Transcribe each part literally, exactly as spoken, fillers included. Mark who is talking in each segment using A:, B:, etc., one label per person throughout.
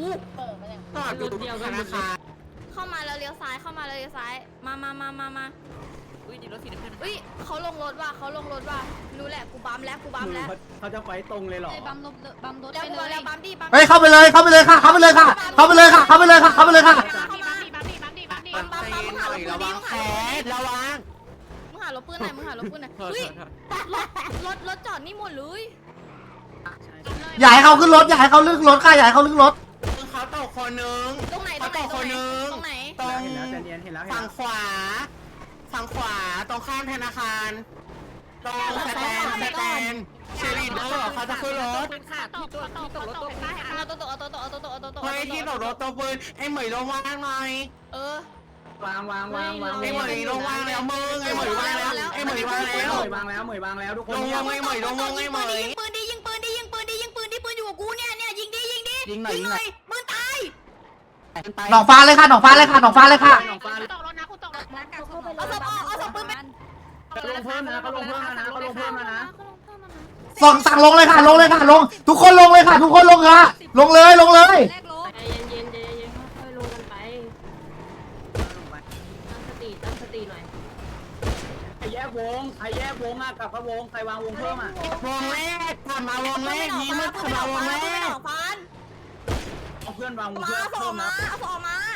A: ต่อดูธนาคาร
B: เข้ามาแล้วเลี้ยวซ้ายเข้ามาแล้วเลี้ยวซ้ายมามามามามาอุ้ยดีรถสีน้ำเงินอุ้ยเขาลงรถว่ะเขาลงรถว่ะรู้แหละกูบัมแล้วกูบัมแล้ว
C: เขาจะไปตรงเลยหรอ
B: บัมรถบัมรถไปเลยแล้วบัมดิบัม
D: เฮ้ยเข้าไปเลยเข้าไปเลยค่ะเข้าไปเลยค่ะเข้าไปเลยค่ะเข้าไปเลยค่ะเข้าไปเลยค่ะ
B: บัมบัมบัมมึงหารถปืนดิมึงหารถ
A: ระวัง
B: มึงหารถปืนไหนมึงหารถปืนไหนเฮ้ยรถรถจอดนี่หมดเลย
D: อย่าให้เขาขึ้นรถอย่าให้เขาลึกรถค่ะอย่าให้เขาลึกรถ
A: เขาตกคนนึง
B: ตรงไหนตรงไหนตรงไหนตรงไหน
A: ตรงฝั่งขวาฝั่งขวาตรงข้ามธนาคารตรงสแตนสแตนเชลิดเดอร์เขาจะขึ้นรถ
B: ที่ตกที่ตกรถตกเอาตัวตกเอาตัวตกเอาตัวตกเอาตัวตก
A: เฮ้ยที่ตกรถตัวปืนไอ้เหมยลงวางหน่อย
B: เออ
C: วางวางวางวาง
A: ไอ้เหมยลงวางแล้วมึงไอ้เหมยวางแล้วไอ้เหมยวางแล้ว
C: เหมยวางแล้วเหมยวางแล้วทุกคน
A: ลงวงไอ้เหมยลงวงไอ้เหมย
B: ยิงปืนดิยิงปืนดิยิงปืนดิยิงปืนดิปืนอยู่กับกูเนี่ยเนี่ยยิงดิยิงดิ
A: ยิงหน่อยยิงหน่อย
B: ปืนตาย
D: หนองฟ้าเลยค่ะหนองฟ้าเลยค่ะหนองฟ้าเลยค่ะ
B: ตกรถนะกูตกรถนะเอาศพออกเอาศพปืนไป
C: เขาลงเพิ่มนะเขาลงเพิ่มนะเขาลงเพิ่มนะ
D: ส่องสั่งลงเลยค่ะลงเลยค่ะลงทุกคนลงเลยค่ะทุกคนลงค่ะลงเลยลงเลย
B: ใจเย็นๆใจเย็นๆค่อยๆลงกันไปตั้งสติตั้งสติหน่อย
C: ใครแยกวงใครแยกวงอ่ะกลับมาวงใครวางวงเพิ่มอ่ะ
A: วงแรกกลับมาวงแรกยิ้มกลับมาวงแรก
C: เอาเพื่อนวางวง
B: มา
C: เพิ่ม
B: เอาศ
C: เพิ่
B: พ
C: ม
B: มา
C: นะ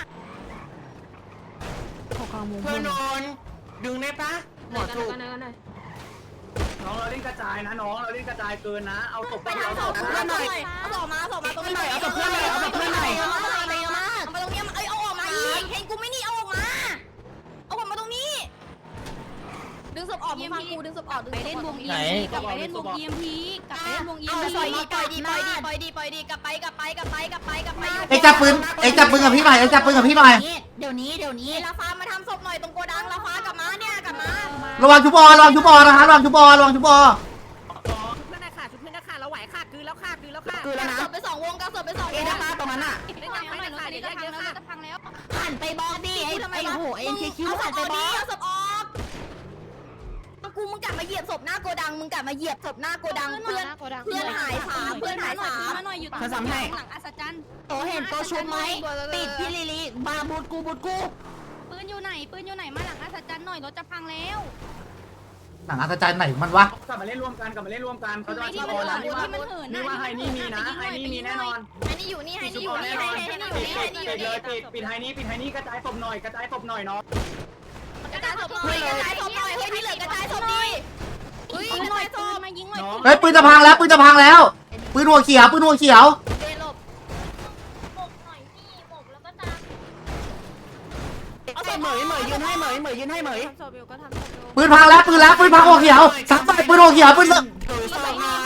B: เอาศพมา
A: เพื่อนนอนดึงได้ปะหมอถูก
C: น้องเราเล่นกระจายนะน้องเราเล่นกระจายเกินนะเอาศพ
B: ไปทางศพเพื่อนหน่อยเอาศพมาเอาศพมาตรงนี้หน่อยเอาศพเพื่อนหน่อยเอาศพเพื่อนหน่อยเอามาเอามาเอามาตรงนี้เอ้ยเอาออกมาอีกเห็นกูไม่นี่เอาออกมาเอาออกมาตรงนี้ดึงศพออกมึงฟังกูดึงศพออกดึงไปเล่นวง อี เอ็ม พีกลับไปเล่นวง อี เอ็ม พีกลับไปเล่นวง อี เอ็ม พีปล่อยดีปล่อยดีปล่อยดีปล่อยดีปล่อยดีกลับไปกลับไปกลับไปกลับไปกลับไป
D: เอ็กจับปืนเอ็กจับปืนกับพี่หน่อยเอ็กจับปืนกับพี่หน่อย
B: เดี๋ยวนี้เดี๋ยวนี้ลาฟ้ามาทำศพหน่อยตรงโกดังลาฟ้ากลับมาเนี่ยกลับมา
D: ระวังชุบอระวังชุบอนะคะระวังชุบอระวังชุบอ
B: เพื่อนนะค่ะชุบเพื่อนนะค่ะเราไหวค่ะคือแล้วค่ะคือแล้วค่ะ
A: คือแล้วนะ
B: ศพไปสองวงกับศพไปสองวง
A: นะคะตรงนั้นอ่ะ
B: ไม่ต้องไปหน่อยเดี๋ยวจะพังแล้วจะพังแล้วหันไปบอกดิไอ้ไอ้โหเอ็นคิวหันไปบอกเอาศพออกกูมึงกลับมาเหยียบศพหน้าโกดังมึงกลับมาเหยียบศพหน้าโกดังเพื่อนเพื่อนหายสามเพื่อนหายสาม
A: เขาทำให้
B: หลังอัศจรรย์โตเห็นโตชุบไหมปิดพี่ลิลิมาบูดกูบูดกูปืนอยู่ไหนปืนอยู่ไหนมาหลังอัศจรรย์หน่อยรถจะพังแล้ว
D: หนังอัศจรรย์ไหนมันวะ
C: กลับมาเล่นร่วมกันกลับมาเล่นร่วมกันเขาจะมาชอบนะนี่ว่านี่ว่าไฮนี่มีนะไฮนี่มีแน่นอน
B: ไฮนี่อยู่นี่ไฮนี่อยู่นี่ไฮนี่อยู่นี่ไฮนี่อยู่นี่
C: เลยปิดปิดไฮนี่ปิดไฮนี่กระจายศพหน่อยกระจายศพหน่อยเนาะ
B: กระจายศพหน่อยกระจายศพหน่อยเฮ้ยที่เหลือกระจายศพดิเฮ้ยกระจายศพมายิงหน่อย
D: เฮ้ยปืนจะพังแล้วปืนจะพังแล้วปืนหัวเขียวปืนหัวเขียว
B: เดลบหมกหน่อยพี่หมกแล้วก็ตาม
A: เอาใส่เหมยเหมยยืนให้เหมยเหมยยืนให้เหมย
D: ปืนพังแล้วปืนแล้วปืนพังหัวเขียวสักใบปืนหัวเขียวปืน
A: ถือศพไง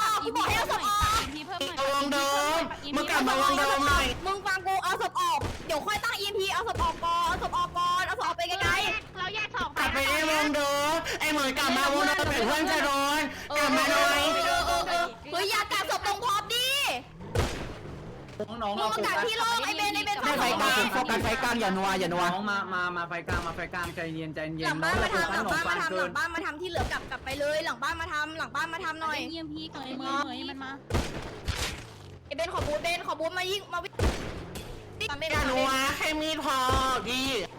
A: เอาวงเดิมมึงกลับมาวงเดิมหน่อย
B: มึงฟังกูเอาศพออกเดี๋ยวค่อยตั้ง อี เอ็ม พี เอาศพออกก่อนเอาศพออกก่อนเอาศพออกไปไกลๆเราแยกสอง
A: กลับไปได้วงเดิมไอ้เหมยกลับมาวงเดิมเพื่อนจะโดนกลับมาหน่อย
B: เฮ้ยอย่ากัดศพตรงพร็อพดิ
C: น้องๆ
B: มึงมากัดที่โลกไอเบนไอเบน
A: ไฟกลางโฟกัสไฟกลางอย่านัวอย่านัว
C: น้องมามามาไฟกลางมาไฟกลางใจเย็นใจเย็นน้อง
B: มาทำหลังบ้านมาทำหลังบ้านมาทำที่เหลือกลับกลับไปเลยหลังบ้านมาทำหลังบ้านมาทำหน่อยเยี่ยมพี่ก่อนเมื่อยมันมาไอเบนขอบูทเบนขอบูทมายิงมาวิ่ง
A: อย่านัวแค่มีดพอดี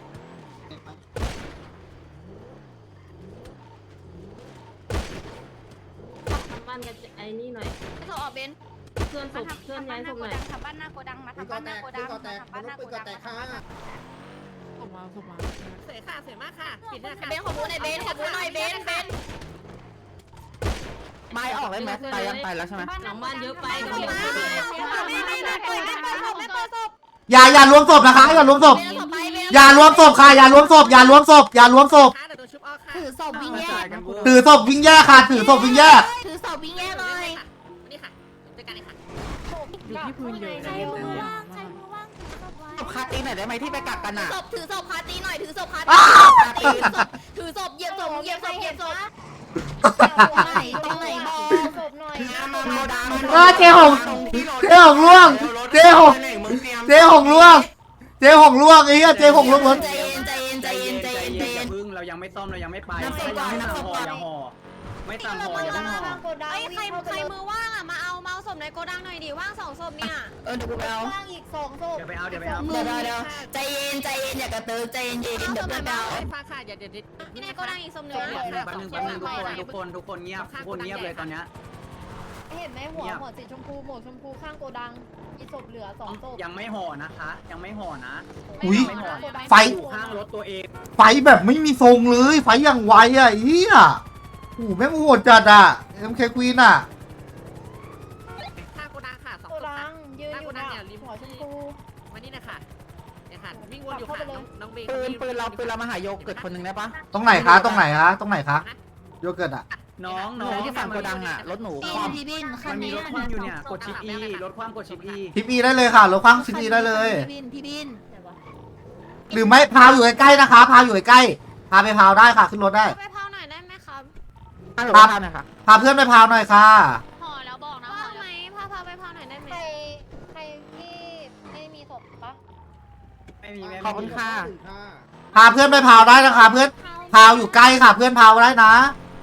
B: ทำบ้านกันไอ้นี่หน่อยให้เขาออกเบนเพื่อนศพเพื่อนย้ายศพหน่อยทำบ้านหน้าโกดังมาทำบ้านหน้าโกดังทำบ้านหน้าโกดัง
A: ส่งมาส่งมา
B: เสยค่ะเสยมากค่ะปิดนะค่ะเบนขอบูทหน่อยเบนขอบูทหน่อยเบนเบน
A: ไม้ออกเลยไหมไปยังไปแล้วใช่ไหม
B: หลังบ้านเยอะไปก็ไม่ไม่ไม่ไม่ไม่เปิดไม่เปิดศพไม่เปิดศพ
D: อย่าอย่ารวมศพนะคะอย่ารวมศพอย่ารวมศพค่ะอย่ารวมศพอย่ารวมศพอย่ารวมศพ
B: ถือศพวิ่งแย่
D: ถือศพวิ่งแย่ค่ะถือศพวิ่งแย่
B: ถือศพวิ่งแย่เลยนี่ค่ะจัดการเลยค่ะ
A: อยู่ที่พื้นเยอะใช้มือว่างใช้มือว่างศพคาตีหน่อยได้ไหมที่ไปกักกันอ่ะ
B: ศพถือศพคาตีหน่อยถือศพคาตีถือศพเหยียบศพเหยียบศพเหยียบศพตรงไหนตรงไหนบอกศพหน่อย
D: เออเจ๊หงเจ๊หงล่วงเจ๊หงเจ๊หงล่วงเจ๊หงล่วงไอ้เหี้ยเจ๊หงล่วงรถ
B: ใจเย็นใจเย็นใจเย็นใจเย็นใจเย็น
C: พึ่งเรายังไม่ซ่อมเรายังไม่ไปยังไม่ห่ออย่าห่อไม่ตามห่ออย่าต้องห่อ
B: ไอ้ใครใครมือว่างอ่ะมาเอามาเอาศพในโกดังหน่อยดิว่างสองศพเนี่ย
A: เออเดี๋ยวกูไปเอา
B: ว่างอีกสองศพ
C: เดี๋ยวไปเอาเดี๋ยวไปเอา
A: เดี๋ยวเดี๋ยวใจเย็นใจเย็นอย่ากระตือใจเย็นเดี๋ยวไปเอา
E: ฟ้าค่ะอย่าเดี๋ยว
B: ที่ในโกดังอีกศพหนึ่ง
C: แป๊บนึงแป๊บนึงทุกคนทุกคนทุกคนเงียบทุกคนเงียบเลยตอนเนี้ย
B: เห็นไหมหัวหัวสีชมพูหมวกชมพูข้างโกดังมีศพเหลือสองศพ
C: ยังไม่ห่อนะคะ ยังไม่ห่อนะ
D: อุ้ย
C: ไม่ห่อ
D: ไฟ
C: อยู่ข้างรถตัวเอง
D: ไฟแบบไม่มีทรงเลยไฟอย่างไวอ่ะเฮียโอ้โหแม่งโหดจัดอ่ะ เอ็ม เค Queen อ่ะ
E: ข้างโกดังค่ะสอง
B: โก
E: ศพ
B: ดั
E: ค่ะ
B: งยืนอยู่นะหัวชมพู
E: มานี่นะคะเนี่ยค่ะวิ่งวนอยู่ค่ะน้องเบย์
A: ปืนปืนเราปืนเรามาหาโยเกิร์ตคนหนึ่งได้ปะ
D: ตรงไหนคะตรงไหนคะตรงไหนคะโยเกิร์ตอ่ะ
C: น้องน้อง
A: ที่ฝั่งโกดังอ่ะรถหนู
B: พี่พี่บินคั
C: มัน นมี
B: นี้
C: รถคว่ำอยู่เนี่ยกดชิป E รถคว่ำกดชิป E
D: ทิปอีได้เลยค่ะรถคว้างชิปอีได้เลย
B: พี่บินพี่บิน
D: หรือไม่พาวอยู่ใกล้ๆนะคะ พาวอยู่ใกล้ๆพาไปพาวได้ค่ะขึ้นรถได้
B: ไปเผาหน่อยได้ไหมครับ
A: ฮัลโหลครับนะคะ
D: พาเพื่อนไปพาวหน่อยค่ะ
B: ห่อแล้วบอกนะห่อไหมพาพาไปเผาหน่อยได้ไหมใครใครที่ไม่มีศพปะ
C: ไม่มีแม่
A: ขอบคุณค่ะ
D: พาเพื่อนไปพาวได้นะคะ เพื่อนพาวอยู่ใกล้ค่ะ เพื่อนพาวได้นะ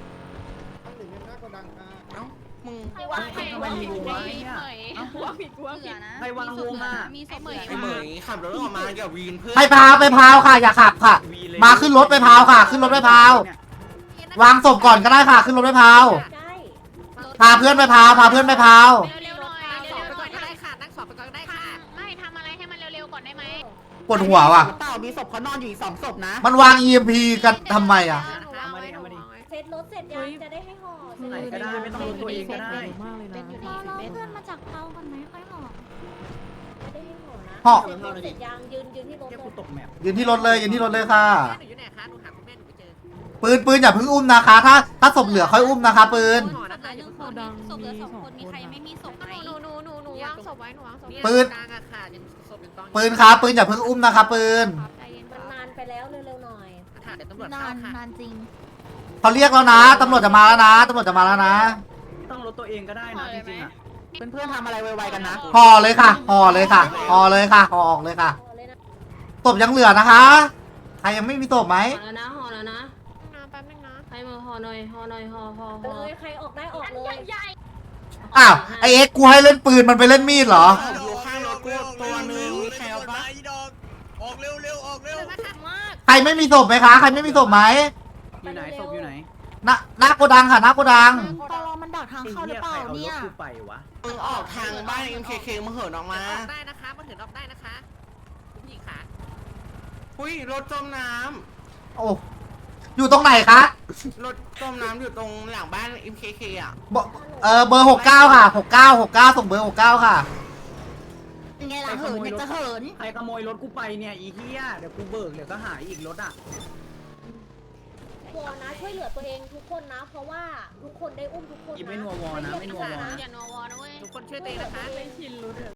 A: มึง
B: ใครวางใคร
C: ไม่มีวงวะเนี่ย
B: วางผิดวางผิด
C: ใครวางวงอ่ะ
B: มีศพเหมย
A: ไอ้เหมยขับรถออกมากับวีนเพื่อน
D: ไปพาวไปพาวค่ะ อย่าขับค่ะ มาขึ้นรถไปพาวค่ะ ขึ้นรถไปพาว วางศพก่อนก็ได้ค่ะ ขึ้นรถไปพาวพาเพื่อนไปพาวพาเพื่อนไปพาว
B: เร็วๆหน่อย
E: นั่งส
B: เร็
E: อบ
B: ว
E: ไป
B: ๆห
E: ก่
B: น่
E: อน
B: อย
E: ก็ได้ค่ะนั่งสอบไปก่อนก็ได้ค่ะ
B: ไม่ทำอะไรให้มันเร็วๆก่อนได้ไหม
D: ปวดหัวว่ะ
A: เปล่ามีศพเขานอนอยู่อีกสองศพนะ
D: มันวาง อี เอ็ม พี กันทำไมอ่ะ
C: เอามาดิเอามาดิ
B: เสร็จรถเสร็จยังจะได้ให้ห่อ
C: ไหนก็ได้ไม่ต้องรถตัวเองก็ได้
B: เป็นอยู่
F: ร
B: ดี
F: อรอ
B: เป็น
F: เพื่อนมาจากเตาก่อนไหมค่อยห่อ
B: จะได้ให้ห่อนะ
D: ห่อ
B: เสร็จรถเสร็จยังยืนยืนที่รถ
C: แค่
B: เล
C: กู
B: ย
C: ตกแมป
D: ยืนที่รถเลยยืนที่รถเลยค่ะ
E: แม่หนูอยู่ไหนคะหนูหาคุณแม่หนูไม่เจอ
D: ปืนปืนอย่าเพิ่งอุ้มนะคะ ถ้าถ้าศพเหลือค่อยอุ้มนะคะ ปืน
E: ห่อนะคะอย่าเพิ่งห่อ
B: ศพเหลือสองคนมีใครไม่มีศพไหมหนูหนูหนูหนูวางศพไว้หนูวางศพ
E: เนี่ย
D: ปืน
E: กลางอะค่ะยังศพยังกองอยู่
D: ปืนครับปืนอย่าเพิ่งอุ้มนะคะ ปืน
B: ใจเย็นมันนานไปแล้วเร็วๆหน่อย
E: ค่ะเดี๋ยวตำรวจ
F: นา
E: เข้าน ค่ะ
F: นานจริง
D: เขาเรียกแล้วนะตำรวจจะมาแล้วนะตำรวจจะมาแล้วนะ
C: ต้องรถตัวเองก็ได้นะจริงๆอ่ะ
A: เพื่อนๆทำอะไรไวๆกันนะ
D: ห่อเลยค่ะห่อเลยค่ะห่อเลยค่ะห่อออกเลยค่ะ
B: ห่อเลยนะ
D: ศพยังเหลือนะคะ ใครยังไม่มีศพไหม
G: ห่อแล้วนะห่อแล้วนะ
B: นะแป๊บนึงนะ
G: ใครมาห่อหน่อยห่อหน่อยห่อห่อ
B: เล
G: ห่อย
B: ใครออกได้ออกเลย
D: อ้าวไอเอ็กซ์กูให้เล่นปืนมันไปเล่นมีดเหรอ
A: อยู่ข้างรถกูตัวหนึ่งใครเอาปะ
H: ออกเร็วเร็วออกเร็ว
B: มาก
D: ใครไม่มีศพไหมคะ ใครไม่มีศพไหม
C: อยู่ไหนศพอยู่ไหน
D: ณหน้าโกดังค่ะหน้าโกดัง
F: ตอรอมันดักทาง
C: ไอ้
F: เข้าหรื
C: เหี้
F: อย เป
C: ใคร
F: ล่า
C: เอาร
F: เนี่
C: ถ
F: ย
C: กูไปวะ
A: มึงออกทางบ้าน เอ็ม เค เค มึงเหินออกมา
E: ออกได้นะคะมาถึงออกได้นะคะคุณผู้หญิงค่ะ
A: หุ้ยรถจมน้
D: โอ้อยู่ตรงไหนคะ
A: ำรถจมน้ำอยู่ตรงหลังบ้าน เอ็ม เค เค อ่ะ
D: เบอร์เออเบอร์หกเก้าค่ะหกเก้าหกเก้าส่งเบอร์หกเก้าค่ะ
F: ไงล่ะเหินเนี่ยจะเหิน
C: ใครขโมยรถกูไปเนี่ยอีเหี้ยเดี๋ยวกูเบิกเดี๋ยวก็หายอีกรถอ่ะ
B: วอนะช่วยเหลือตัวเองทุกคนนะ เพราะว่าทุกคนได้อุ้มทุกคน
C: อี
B: นะ
C: ไม่นัววอนะไม่นัววอนะ
B: อย่านัววอนะเว้ย
E: ทุกคนช่วยตัวเองนะคะ